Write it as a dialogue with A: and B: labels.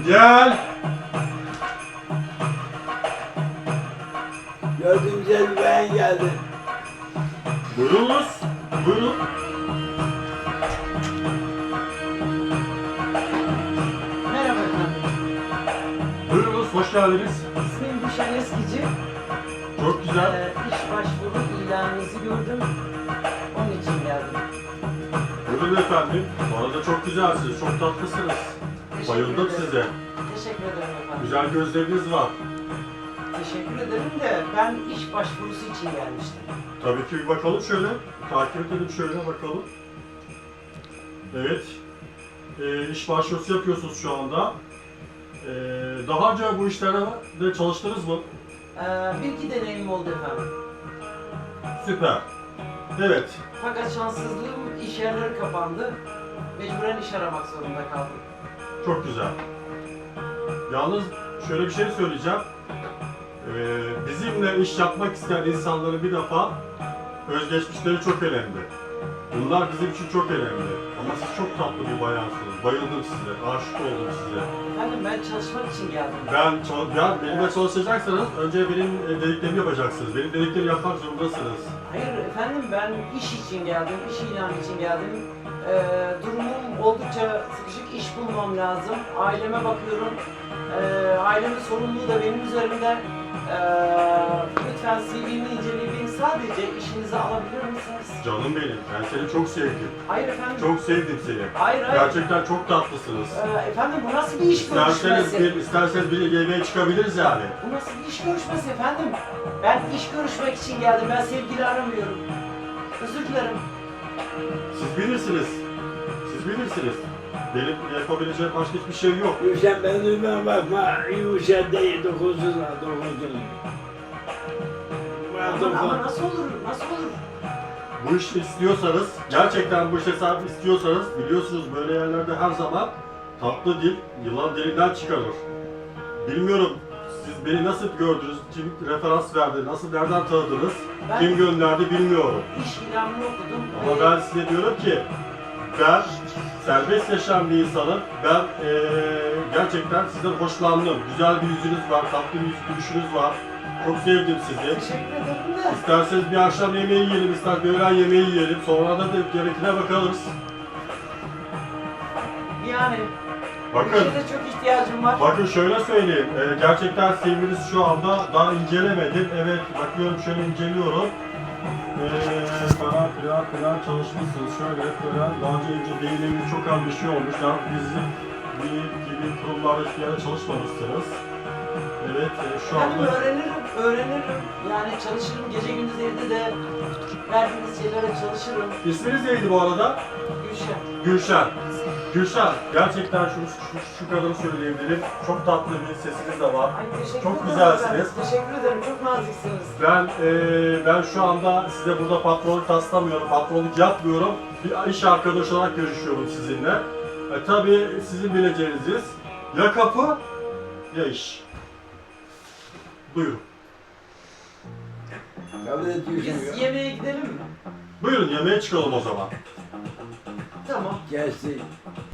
A: Gel.
B: Gördüğüm güzel bir bayan geldi.
A: Buyurunuz. Buyurun.
C: Merhaba efendim.
A: Buyurunuz. Hoş geldiniz.
C: İsmim Gülşen Eskici.
A: Çok güzel.
C: İş başvuru ilanınızı gördüm. Onun için geldim.
A: Buyurun efendim. Bu arada çok güzelsiniz. Çok tatlısınız.
C: Teşekkür
A: Bayıldım
C: ederim.
A: size.
C: Teşekkür ederim efendim.
A: Güzel gözleriniz var.
C: Teşekkür ederim de ben iş başvurusu için gelmiştim.
A: Tabii ki bir bakalım şöyle. Takip edelim şöyle bakalım. Evet. İş başvurusu yapıyorsunuz şu anda. Daha önce bu işlerde çalıştınız mı?
C: Bir iki deneyimim oldu efendim.
A: Süper. Evet.
C: Fakat şanssızlığım iş yerleri kapandı. Mecburen iş aramak zorunda kaldım.
A: Çok güzel. Yalnız şöyle bir şey söyleyeceğim. Bizimle iş yapmak isteyen insanların bir defa özgeçmişleri çok önemli. Bunlar bizim için çok önemli. Ama siz çok tatlı bir bayansınız. Bayıldım size, aşık oldum size.
C: Efendim ben çalışmak için geldim.
A: Benimle çalışacaksanız önce benim dediklerimi yapacaksınız. Benim dediklerimi yapmak zorundasınız.
C: Hayır efendim ben iş için geldim, iş ilanı için geldim. Durumum oldukça sıkışık, iş bulmam lazım. Aileme bakıyorum. Ailemin sorumluluğu da benim üzerimde. Lütfen CV'mi inceleyip sadece işinize alabilir misiniz?
A: Canım benim, ben seni çok sevdim.
C: Hayır efendim.
A: Çok sevdim seni.
C: Hayır.
A: Gerçekten çok tatlısınız.
C: Efendim bu nasıl bir iş görüşmesi?
A: İsterseniz bir yemeğe çıkabiliriz yani.
C: Bu nasıl bir iş görüşmesi efendim? Ben iş görüşmek için geldim. Ben sevgili aramıyorum. Özür dilerim.
A: Siz bilirsiniz. Siz bilirsiniz. Benim yapabileceğim başka hiçbir şey yok.
B: Gülşen ben duymaya bakma. Gülşen değil, dokuzsuz var, dokuzsuz.
C: Ama nasıl olur? Nasıl olur?
A: Bu işi istiyorsanız, gerçekten bu işe sahip istiyorsanız, biliyorsunuz böyle yerlerde her zaman tatlı dil yılan derinden çıkarır. Bilmiyorum siz beni nasıl gördünüz, kim referans verdi, nasıl nereden tanıdınız, kim gönderdi bilmiyorum.
C: İş ilanını okudum.
A: Ama ben size diyorum ki, ben serbest yaşayan bir insanım. Ben gerçekten sizden hoşlandım. Güzel bir yüzünüz var, tatlı bir gülüşünüz var. Çok sevdim sizi.
C: Teşekkür ederim de.
A: İsterseniz bir akşam yemeği yiyelim, ister bir öğlen yemeği yiyelim. Sonra da gerekine bakarız.
C: Yani.
A: Bakın,
C: İşe de çok ihtiyacım var.
A: bakın şöyle söyleyeyim. Gerçekten CV'niz şu anda daha incelemedim. Evet, bakıyorum şöyle inceliyorum. Falan çalışmışsınız. Şöyle falan. Daha önce değinimli çok az bir şey olmuş. Yani bizim gibi kurumlarda hiçbir yerde çalışmamışsınız. Evet, şu
C: Yani
A: anda...
C: öğrenirim. Yani çalışırım. Gece gündüz evde de verdiğiniz şeylere çalışırım.
A: İsminiz neydi bu arada?
C: Gülşen.
A: Gülşen. Gülşen, gerçekten şu kadarı söyleyebilirim. Çok tatlı bir sesiniz de var.
C: Ay, teşekkür
A: Çok
C: ederim
A: güzelsiniz.
C: efendim. Teşekkür ederim. Çok naziksiniz.
A: Ben şu anda size burada patronluk taslamıyorum, patronluk yapmıyorum. Bir iş arkadaşı olarak görüşüyorum sizinle. Tabii sizin bileceğiniz ya kapı ya iş. Buyurun.
B: Kabul et Gülşen.
C: Biz yemeğe gidelim mi?
A: Buyurun yemeğe çıkalım o zaman.
C: Tamam.
B: Gelsin.